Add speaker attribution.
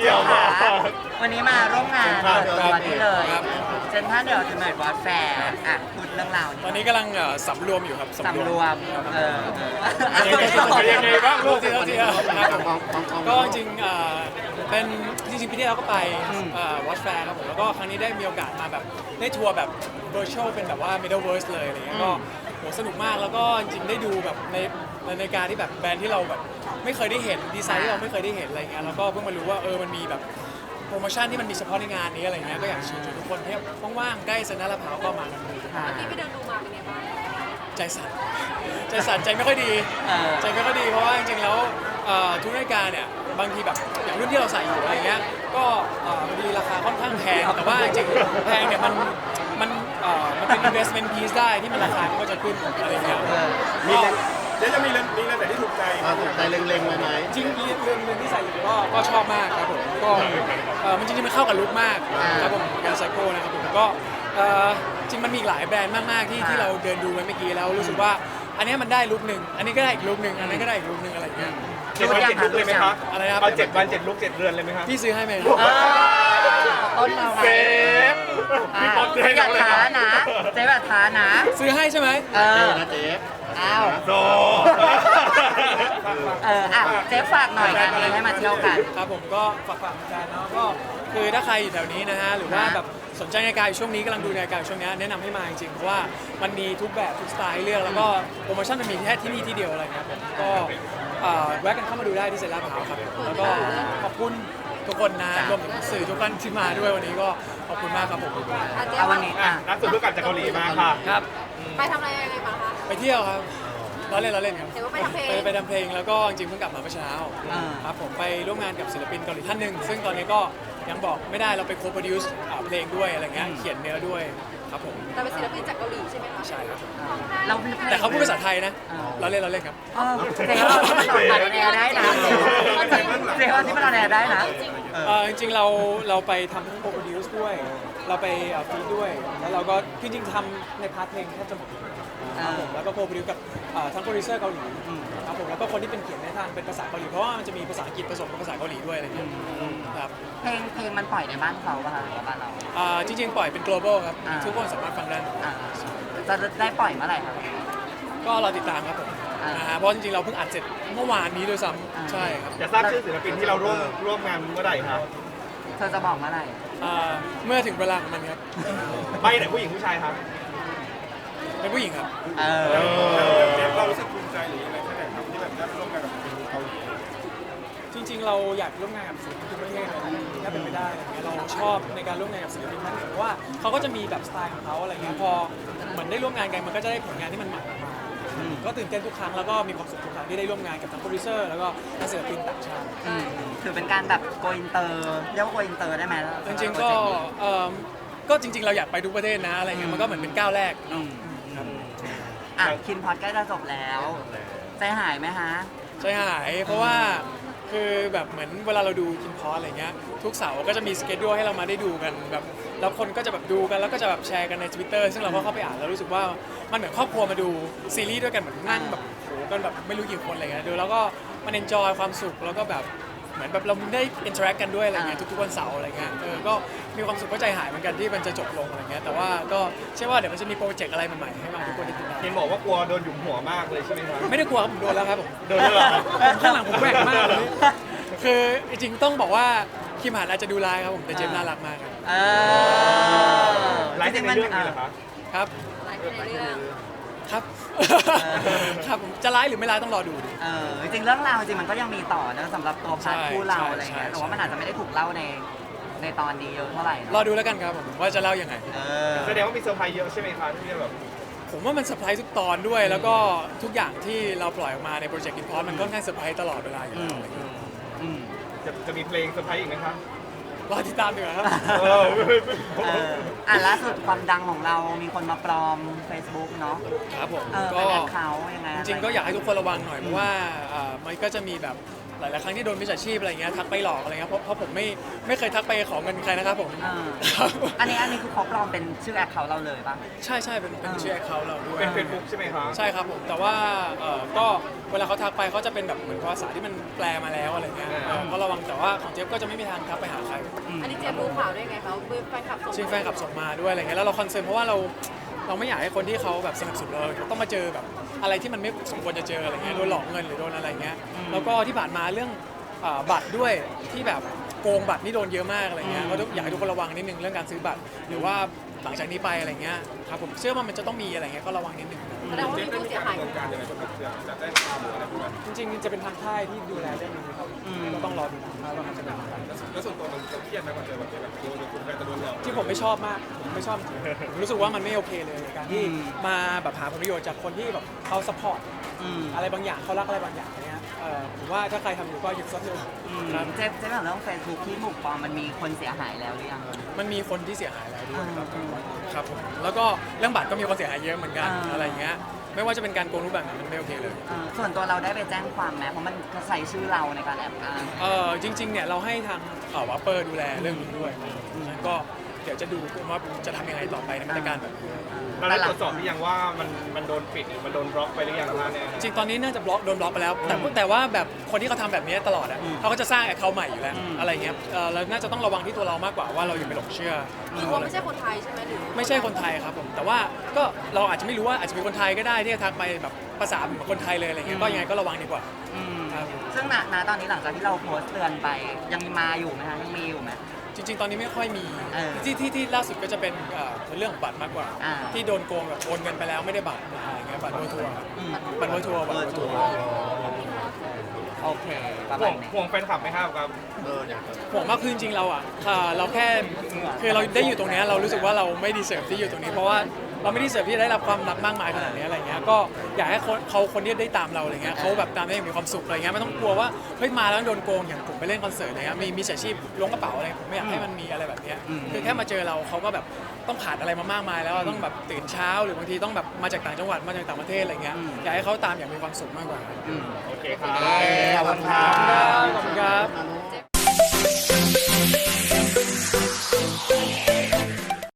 Speaker 1: เกี่ยวมา
Speaker 2: วันนี้มาร่วมงานเปิดตัวนี่เลย
Speaker 3: ครับ
Speaker 2: เซ็นทรัลเดอะเมดวอร์แฟร์อ่ะพูดเรื่องราว
Speaker 3: ตอนนี้กำลังสำรวมอยู่ครับ
Speaker 2: สำรวม
Speaker 3: ยังไงบ้างลูกที่เขาที่ครับ
Speaker 1: มอง
Speaker 3: ก็จริงเป็นจริงๆปีที่แล้วก็ไปวอชแฟร์ครับผมแล้วก็ครั้งนี้ได้มีโอกาสมาแบบได้ทัวร์แบบ virtual เป็นแบบว่า Metaverse เลยอะไรเงี้ยก็โหสนุกมากแล้วก็จริงๆได้ดูแบบในการที่แบบแบรนด์ที่เราแบบไม่เคยได้เห็นดีไซน์ที่เราไม่เคยได้เห็นอะไรเงี้ยแล้วก็เพิ่งมารู้ว่ามันมีแบบโปรโมชั่นที่มันมีเฉพาะในงานนี้อะไรเงี้ยก็อยากเชิญชวนทุกคนที่ว่างๆใกล้เซ็นทรัลลาดพร้าวก็มากันดู
Speaker 4: ที่ไปเดินดูมาเป็นไงบ้าง
Speaker 3: ใจสั่นใจไม่ค่อยดีใจไม่ค่อยดีเพราะว่าจริงๆแล้วทุกรายการเนี่ยบางทีแบบอย่างรุ่นที่เราใส่อยู่อะไรเงี้ยก็บางทีราคาค่อนข้างแพงแต่ว่าจริงๆแพงเนี่ยมันเป็น investment piece ได้ที่มันราคามันก็จะขึ้นอะไรเงี้ย
Speaker 1: มีเดี๋ยวจะมีเรื่องแต่ที่ถูกใจถูกใจเล็งๆเลยไหม
Speaker 3: จริงเรื่องที่ใส่อยู่ก็ชอบมากครับผมก็มันจริงๆมันเข้ากับลุคมากครับผมการไซโก้นะครับผมก็จริงมันมีหลายแบรนด์มากๆที่เราเดินดูไปเมื่อกี้แล้วรู้สึกว่าอันนี้มันได้ลุคหนึ่งอันนี้ก็ได้อีกลุคหนึ่งอันนั้นก็ได้อีกลุคหนึ่งอะไรเงี้ย
Speaker 1: 7 วัน 7 ลุกเลยไหมครับ
Speaker 3: อะไรนะครับ
Speaker 1: เอา7 วัน 7 ลุก 7 เรือนเลยไหมครับ
Speaker 3: พี่ซื้อให้ไหม
Speaker 2: ต้นเรา
Speaker 1: เซฟพี่ป๊อปให้
Speaker 2: อย่า
Speaker 1: เราเลย
Speaker 2: ท้านะเจ๊แบบท้านะ
Speaker 3: ซื้อให้ใช่ไหม
Speaker 1: นะเจ๊
Speaker 2: อ้าว
Speaker 1: โซ
Speaker 2: เจ๊ฝากหน่อยงานนี้ให้มาเที่ยวกัน
Speaker 3: ครับผมก็ฝากเหมือนกันเนาะก็คือถ้าใครอยู่แถวนี้นะฮะหรือว่าแบบสนใจนาฬิกาอยู่ช่วงนี้กำลังดูนาฬิกาอยู่ช่วงนี้แนะนำให้มาจริงๆเพราะว่ามันมีทุกแบบทุกสไตล์ให้เลือกแล้วก็โปรโมชั่นมันมีแค่ที่นี่ที่เดียวอะไรครับผมก็แวะกันเข้ามาดูได้ที่เซ็นทรัลลาดพร้าวครับแล้วก็ขอบคุณทุกคนนะรวมถึงสื่อทุกท่านที่มาด้วยวันนี้ก็ขอบคุณมากครับผม
Speaker 2: เอาวันนี้
Speaker 1: ล่าสุดเพิ่งกลับจากเกาหลีมาค่ะ
Speaker 3: ครับ
Speaker 4: ไปทำอะไรยังไงมาคะ
Speaker 3: ไปเที่ยวครับล้อเล่นครับ
Speaker 4: เห็นว่าไปทำเพลง
Speaker 3: ไปทำเพลงแล้วก็จริงๆเพิ่งกลับมาเมื่อเช้าครับผมไปร่วมงานกับศิลปินเกาหลีท่านหนึ่งซึ่งตอนนี้ก็ยังบอกไม่ได้เราไปโคโปรดิวซ์เพลงด้วยอะไรเงี้ยเขียนเนื้อด้วยครับผม
Speaker 4: แต่เป็นศิลปินจากเกาหลีใช่ไหมคะ
Speaker 3: ใช่ครับ
Speaker 2: เรา
Speaker 3: แต่เขาพูดภาษาไทยนะเราเล่นครับ
Speaker 2: เจ๊ว่าที่มันออนแอร์ได้นะเจ๊ว่าที่มันออนแอร์ได้นะ
Speaker 3: จริงๆเราไปทำทั้งโคโปรดิวซ์ด้วย เราไปฟีดด้วยแล้วเราก็จริงๆทำในพาร์ทเพลงแทบจะหมดครับผมแล้วก็โคโปรดิวซ์กับทั้งโปรดิวเซอร์เกาหลีครับผมแล้วก็คนที่เป็นเขียนในทางเป็นภาษาเกาหลีเพราะว่ามันจะมีภาษาอังกฤษผสมกับภาษาเกาหลีด้วยอะไรอย่างเงี้ยครับ
Speaker 2: เพลงมันปล่อยในบ้านเขาป่ะคะหรือว่าบ้านเรา
Speaker 3: จริงๆปล่อยเป็น global ครับทุกคนสามารถฟังได้
Speaker 2: จะได้ปล่อยเมื่อไหร่ครับ
Speaker 3: ก็รอติดตามครับผมนะฮะเพราะจริงๆเราเพิ่งอัดเสร็จเมื่อวานนี้ด้วยซ้ำใช่ครับ
Speaker 1: จะทราบชื่อศิลปินที่เราร่วมงานเมื่อไหร่ครับ
Speaker 2: เธอจะบอกเมื่อไหร่
Speaker 3: เมื่อถึงเวลาของมันครับ
Speaker 1: ไม่ไหนผู้หญิงผู้ชายครับ
Speaker 3: เป็นผู้หญิงครับ
Speaker 1: เจฟเรารู้สึกภูมิใจหรืออะไรแค่ไหนครับที่แบบได้ร่วมงานกับเกาหลี
Speaker 3: จริงๆเราอยากร่วมงานกับศิลปินทุกประเทศเลยถ้าเป็นไปได้อะไรเงี้ยเราชอบในการร่วมงานกับศิลปินท่านอื่นเพราะว่าเขาก็จะมีแบบสไตล์ของเขาอะไรเงี้ยพอเหมือนได้ร่วมงานกันมันก็จะได้ผลงานที่มันใหม่ออกมาก็ตื่นเต้นทุกครั้งแล้วก็มีความสุขทุกครั้งที่ได้ร่วมงานกับทั้งโปรดิวเซอร์แล้วก็นักศิลปินต่างชาติ
Speaker 2: ถือเป็นการแบบโกอินเตอร์เรียกว่าโกอินเตอร์ได้ไหม
Speaker 3: จริงๆก็จริงๆเราอยากไปทุกประเทศนะอะไรเงี้ยมันก็เหมือนเป็นก้าวแรกครับ
Speaker 2: คินพอดใกล้จะจบแล้วใจหายไหมฮะ
Speaker 3: ใจหายเพราะว่าคือแบบเหมือนเวลาเราดูคินพอสอะไรเงี้ยทุกเสาร์ก็จะมีสเกจดูให้เรามาได้ดูกันแบบแล้วคนก็จะแบบดูกันแล้วก็จะแบบแชร์กันใน Twitter ซึ่งเราก็เข้าไปอ่านแล้วรู้สึกว่ามันเหมือนครอบครัวมาดูซีรีส์ด้วยกันเหมือนนั่งแบบโหกันแบบไม่รู้กี่คนอะไรเงี้ยดูแล้วก็มันเอนจอยความสุขแล้วก็แบบเหมือนแบบเราได้อินเทอร์แอคกันด้วยอะไรเงี้ยทุกๆวันเสาร์อะไรเงี้ยก็มีความสุขก็ใจหายเหมือนกันที่มันจะจบลงอะไรเงี้ยแต่ว่าก็เชื่อว่าเดี๋ยวมันจะมีโปรเจกต์อะไรใหม่ๆให้มาทุกคนได้ติดตาม
Speaker 1: เห็นบอกว่ากลัวโดนหยุมหัวมากเลยใช่ไหมครับ
Speaker 3: ไม่ได้กลัวครับผมโดนแล้วครับผม
Speaker 1: โดนแล้วเหรอ
Speaker 3: ข้างหลังผมแหวกมากเลยคือจริงๆต้องบอกว่าคิมหันอาจจะดูร้ายครับผมแต่เจมส์น่ารักมากครับ
Speaker 1: ไลฟ์ในเรื่องนี้เหรอครับ
Speaker 3: ครับ
Speaker 4: หลายคนในเรื่อง
Speaker 3: ครับครับผมจะร้ายหรือไม่ร้ายต้องรอดูดิ
Speaker 2: จริงๆเรื่องราวจริงมันก็ยังมีต่อนะสำหรับตัวพาร์ทคู่เราอะไรเงี้ยแต่ว่ามันอาจจะไม่ได้ถูกเล่าในตอนนี้เยอะเท่าไหร่
Speaker 3: รอดูแล้วกันครับผมว่าจะเล่ายังไง
Speaker 1: แสดงว่ามีเซอร์ไพรส์เยอะใช่ไหมครับที่จะแบบ
Speaker 3: ผมว่ามันเซอร์ไพรส์ทุกตอนด้วย แล้วก็ทุกอย่างที่เราปล่อยออกมาในโปรเจกต์อินพอร์ตมันค่อนข้างเซอร์ไพรส์ตลอดเวลาอยู่แล้วอะไรเงี้ย
Speaker 1: จะมีเพลงเซอร์ไพรส์อีกไหมครับ
Speaker 3: รอติดตามดีกว่าครับ
Speaker 2: ล่าสุดความดังของเรามีคนมาปลอม Facebook เนาะ
Speaker 3: ครับผม
Speaker 2: เป็นแอคเคาท์ยังไง
Speaker 3: จริงๆก็อยากให้ทุกคนระวังหน่อยเพราะว่ามันก็จะมีแบบหลายๆครั้งที่โดนมิจฉาชีพอะไรเงี้ยทักไปหลอกอะไรเงี้ยเพราะผมไม่เคยทักไปขอเงินใครนะครับผม ครับ
Speaker 2: อันนี้คือเขาปลอมเป็นชื่อแอคเคาท์เราเลยป่ะ
Speaker 3: ใช่ใช่เป็นชื่อแอคเคาท์เราด้วย
Speaker 1: เป็นเฟซบุ๊กใช่ไหมครับ
Speaker 3: ใช่ครับผมแต่ว่าก็เวลาเขาทักไปเขาจะเป็นแบบเหมือนภาษาที่มันแปลมาแล้วอะไรเงี้ยก็ระวังแต่ว่าของเจฟก็จะไม่มีทางทักไปหาใคร
Speaker 4: อันนี้เจมรู้ข่าวได้ไงคะแฟนคลับส่ง
Speaker 3: ชื่อแฟนคลับส่งมาด้วยอะไรเงี้ยแล้วเราคอนเซิร์นเพราะว่าเราไม่อยากให้คนที่เขาแบบสนับสนุนเราต้องมาเจอแบบอะไรที่มันไม่สมควรจะเจออะไรเงี้ยโดนหลอกเงินหรือโดนอะไรเงี้ยแล้วก็ที่ผ่านมาเรื่องบัตรด้วยที่แบบโกงบัตรนี่โดนเยอะมากอะไรเงี้ยก็อยากให้ทุกคนระวังนิดนึงเรื่องการซื้อบัตรหรือว่าหลังจากนี้ไปอะไรเงี้ยครับผมเชื่อว่ามันจะต้องมีอะไรเงี้ยก็ระวังนิดนึง
Speaker 4: แสดงว่ามีผู้เสียหาย
Speaker 1: ดำเนินการยังไงบ้างครับจะได้ความหรืออะไรพวกนั้น
Speaker 3: จริงๆจะเป็นทางค่ายที่ดูแลเรื่องนี้ครับก็ต้องรอดูทางค่ายว่ามันจะเป็นยังไง
Speaker 1: แล้วส่วนตัวมันจะเครียดไหมมันเจอแบบนี้แบบโดนคุณแฟนจะโดนหลอก
Speaker 3: ที่ผมไม่ชอบมากผมไม่ชอบผมรู้สึกว่ามันไม่โอเคเลยการที่มาแบบหาผลประโยชน์จากคนที่แบบเขาซัพพอร์ตอะไรบางอย่างเขารักอะไรบางอย่างเนี้ยผมว่าถ้าใครทำอยู่ก็หยุดสักหนึ่งครับ
Speaker 2: เจ๊ถามเรื่องเฟซบุ๊กที่ถูกปลอมมันมีคนเสียหายแล้วหรือยัง
Speaker 3: มันมีคนที่เสียหายแล้วด้วยครับผมแล้วก็เรื่องบัตรก็มีคนเสียหายเยอะเหมือนกันอะไรอย่างเงี้ยไม่ว่าจะเป็นการโกงรูปแบบไหนมันไม่โอเคเลย
Speaker 2: ส่วนตัวเราได้ไปแจ้งความไหมเพราะมันใส่ชื่อเราในการแอบอ้าง
Speaker 3: จริงๆเนี่ยเราให้ทางวัปเปอร์ดูแลเรื่องนี้ด้วยงั้นก็เดี๋ยวจะดูว่าจะทำยังไงต่อไปในมาตรการแบบนี้
Speaker 1: เราได้ตรวจสอบหรือยังว่ามันโดนปิดหรือมันโดนบล็อกไปหรือยังครับเนี่ย
Speaker 3: จริงๆตอนนี้น่าจะโดนบล็อกไปแล้ว แต่ว่าแบบคนที่เขาทำแบบนี้ตลอดอ่ะเขาก็จะสร้างแอคเคาท์ใหม่อยู่แล้วอะไรเงี้ยเราน่าจะต้องระวังที่ตัวเรามากกว่าว่าเราอย่าไปหลงเชื่อ
Speaker 4: คือว่าไม่ใช่คนไทยใช่ไหมหรือ
Speaker 3: ไม่ใช่คนไทยครับผมแต่ว่าก็เราอาจจะไม่รู้ว่าอาจจะเป็นคนไทยก็ได้ที่จะทักไปแบบภาษาเหมือนคนไทยเลยอะไรเงี้ยก็ยังไงก็ระวังดีกว่าครับ
Speaker 2: ซึ่งณตอนนี้หลังจากที่เราโพสต์เตือนไปยังมาอยู่ไหมคะยังมีอยู่ไหม
Speaker 3: จริงๆ ตอนนี้ไม่ค่อยมี
Speaker 2: เออ
Speaker 3: ที่ล่าสุดก็จะเป็นเรื่องของบัตรมากกว่า
Speaker 2: อ่า
Speaker 3: ที่โดนโกงแบบโอนเงินไปแล้วไม่ได้บัตรอะไรเงี้ยบัตรเบอร์ทัวร์บัตรเบอร์ทัวร์บัตรเบอร์ทัวร์
Speaker 2: โอเคประ
Speaker 1: ห่
Speaker 2: มาว ณ
Speaker 1: ง
Speaker 2: นี้
Speaker 1: ห่วงแฟนคลับไหมครับครับ
Speaker 3: ผมว่าคือจริงๆเราอ่ะเราแค่คือเราได้อยู่ตรงเนี้ยเรารู้สึกว่าเราไม่ดีเสิร์ฟที่อยู่ตรงนี้ เพราะว่าเราไม่ดีเสิร์ฟที่จะได้รับความรักมากมายขนาดนี้อะไรเงี้ยก็อยากให้คนที่ได้ตามเราอะไรเงี้ยเขาแบบตามได้อย่างมีความสุขอะไรเงี้ยไม่ต้องกลัวว่าเฮ้ยมาแล้วโดนโกงอย่างผมไปเล่นคอนเสิร์ตอะไรเงี้ยมีมิจฉาชีพล้วงกระเป๋าอะไรผมไม่อยากให้มันมีอะไรแบบเนี้ยคือแค่มาเจอเราเขาก็แบบต้องผ่านอะไรมามากมายแล้วต้องแบบตื่นเช้าหรือบางทีต้องแบบมาจากต่างจังหวัดมาจากต่างประเทศอะไรเงี้ยอยากให้เขาตามอย่างมีความสุขมากกว่า
Speaker 1: โอเคครับ
Speaker 2: ขอบคุณครับ
Speaker 3: ขอบคุณครับ